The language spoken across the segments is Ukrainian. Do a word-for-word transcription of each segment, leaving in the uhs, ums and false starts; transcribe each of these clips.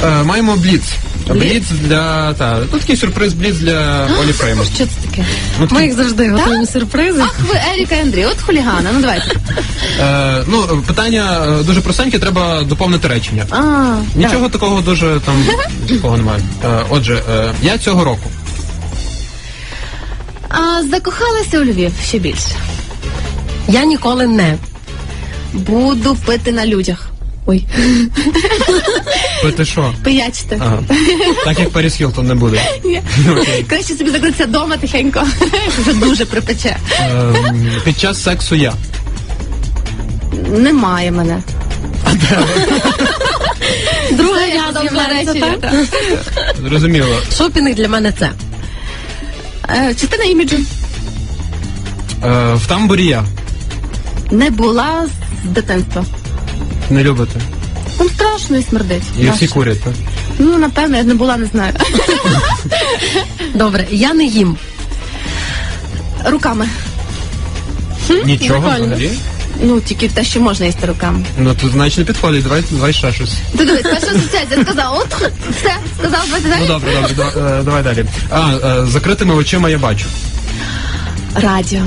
Е, маємо бліц. Бліц для... Та, ну, такий сюрприз бліц для Олі Фреймут. Що це таке? Ну, Ми їх завжди готуємо сюрпризи. Ах, ви Еріка і Андрій, от хулігани, ну давайте. Е, ну, питання е, дуже простеньке, треба доповнити речення. А, Нічого так. такого дуже там такого немає. Е, отже, е, я цього року. А, закохалася у Львів ще більше. Я ніколи не. Буду пити на людях. Ой. Пити що? Пиячити. Ага. Так як Паріс Хілтон не буде. Ні. Краще собі закритися вдома тихенько. Вже дуже припече. Е, під час сексу я. Немає мене. Друга Це я я довго з'являється, речення, так? так. Зрозуміло. Шопінг для мене це. Е, Частина іміджу. Е, в тамбурі я. Не була з дитинства. Не любите. Там страшно і смердить. І Нащо? всі курять, так? Ну, напевно, я не була, не знаю. Добре, я не їм. Руками. Нічого прикольно. взагалі? Ну, тільки те, що можна їсти руками. Ну, тут значить не підходить, давай, давай ще щось. Ти дивись, перша асоціація сказав, от, все, сказав, давайте Ну, далі. добре, добре, да- е, давай далі. А, е, закритими очима я бачу. Радіо.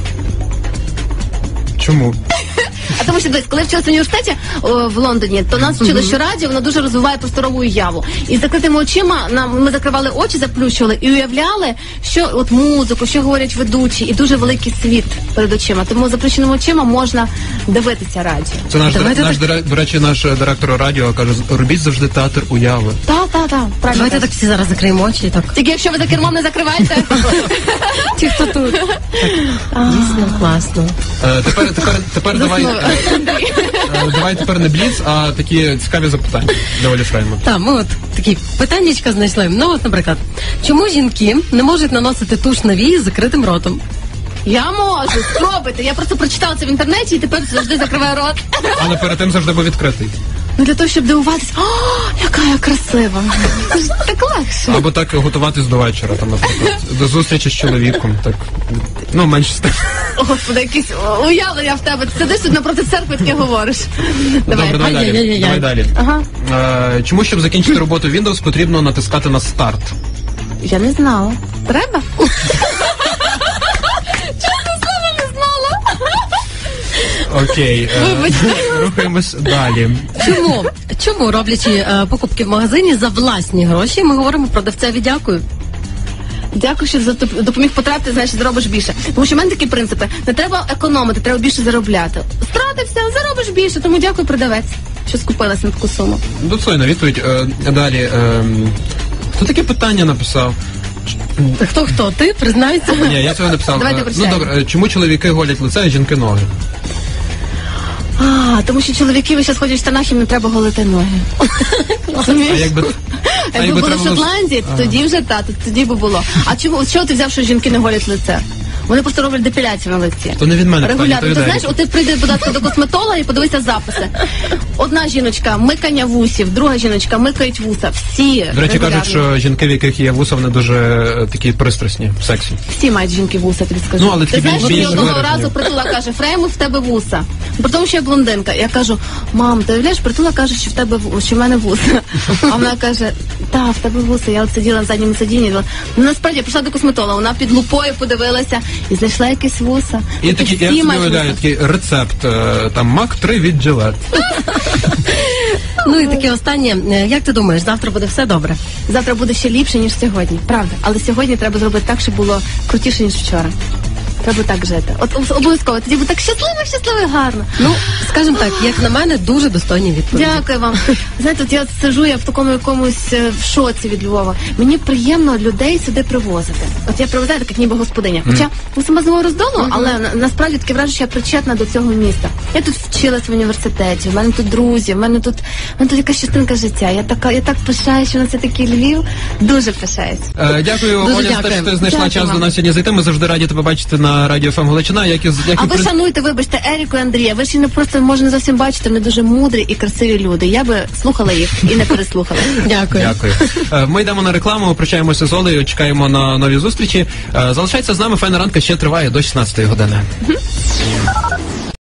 Чому? А тому що, дивись, коли вчилася в університеті о, в Лондоні, то нас вчили, що радіо, воно дуже розвиває просторову уяву. І з закритими очима нам, ми закривали очі, заплющували і уявляли, що от музику, що говорять ведучі, і дуже великий світ перед очима. Тому заплющеними очима можна дивитися радіо. Це наш, Давайте наш так- дире- до речі, наш е, директор радіо каже, робіть завжди театр уяви. Так, так, так, правильно. Давайте кажеш. так всі зараз закриємо очі і так. Тільки якщо ви за кермом не закриваєте. Ті, хто тут. Дійсно класно. Е, тепер, тепер, тепер давай, е, е, давай тепер не бліц, а такі цікаві запитання для Олі Фреймут. Так, ми от такі питаннячка знайшли. Ну от, наприклад, чому жінки не можуть наносити туш на вії з закритим ротом? Я можу, спробуйте. Я просто прочитала це в інтернеті і тепер завжди закриваю рот. Але перед тим завжди був відкритий. Ну для того, щоб дивуватися, о, яка я красива. Це ж так легше. Або так готуватись до вечора, там, наприклад, до зустрічі з чоловіком. Так, ну, менше з тим. О, Господи, якісь уявлення в тебе. Ти сидиш тут напроти церкви, таке говориш. Давай. Добре, давай далі. Ай-яй-яй-яй. Давай далі. Ага. Е, чому, щоб закінчити роботу Windows, потрібно натискати на старт? Я не знала. Треба? Чесно слово, не знала. Окей, е, рухаємось далі. Чому? Чому, роблячи е, покупки в магазині за власні гроші, ми говоримо продавцеві дякую? Дякую, що зато- допоміг потрапити, значить, заробиш більше. Тому що в мене такі принципи. Не треба економити, треба більше заробляти. Стратився, заробиш більше, тому дякую, продавець, що скупилась на таку суму. Достойна відповідь. Е, далі. Е, хто таке питання написав? Та хто хто? Ти признайся? Ні, я цього не писав. Давайте Е, ну прочитаємо. добре, е, чому чоловіки голять лице, а жінки ноги? А, тому що чоловіки ви зараз ходять в штанах, їм не треба голити ноги. А Розумієш? якби, а Якби були в треба було- Шотландії, то тоді вже та, то тоді би було. А чому, з чого ти взяв, що жінки не голять лице? Вони просто роблять депіляцію на лиці. То не від мене питання, Регулярно. то від Ти Еріки. знаєш, от ти прийди, будь ласка, до косметолога і подивися записи. Одна жіночка микання вусів, друга жіночка микають вуса. Всі До речі, регулярно. кажуть, що жінки, в яких є вуса, вони дуже е, такі пристрасні в сексі. Всі мають жінки вуса, тобі скажу. Ну, але ти такі знаєш, більш- мені більш одного виражені. разу Притула каже, Фреймут, в тебе вуса. При тому, що я блондинка. Я кажу, мам, ти уявляєш, Притула каже, що в тебе ву- що в мене вуса. А вона каже, та, в тебе вуса. Я от сиділа на задньому сидінні. Ну, насправді, я прийшла до косметолога, вона під лупою подивилася і знайшла якісь вуса. І такі, я собі мають уявляю, вуса. такий рецепт, е, там, мак три від Gillette. Ну і таке останнє. Е, Як ти думаєш, завтра буде все добре? Завтра буде ще ліпше, ніж сьогодні. Правда. Але сьогодні треба зробити так, щоб було крутіше, ніж вчора. Треба так жити. От об- обов'язково. Тоді буде так щасливо, щасливо і гарно. Ну, скажімо так, як на мене, дуже достойні відповіді. Дякую вам. Знаєте, от я от сижу, я в такому якомусь е, в шоці від Львова. Мені приємно людей сюди привозити. От я привозаю, так як ніби господиня. Хоча я сама з Нового Роздолу, але на- насправді таке враження, що я причетна до цього міста. Я тут вчилась в університеті, в мене тут друзі, в мене тут, в мене тут якась частинка життя. Я така, я так пишаюсь, що на це такий Львів. Дуже пишаюсь. Е, дякую, Дуже Оля, за те, дякую. що ти знайшла Дякую час вам. до нас сьогодні зайти. Ми завжди раді тебе бачити на Радіо ФМ Галичина. Як і, як А і ви при- шануйте, вибачте, Еріку і Андрія. Ви ж і не просто, може, не зовсім бачите, вони дуже мудрі і красиві люди. Я би слухала їх і не переслухала. Дякую. Дякую. Е, Ми йдемо на рекламу, прощаємося з Олею, чекаємо на нові зустрічі. Е, Залишайтеся з нами, файна ранка ще триває до шістнадцятої години.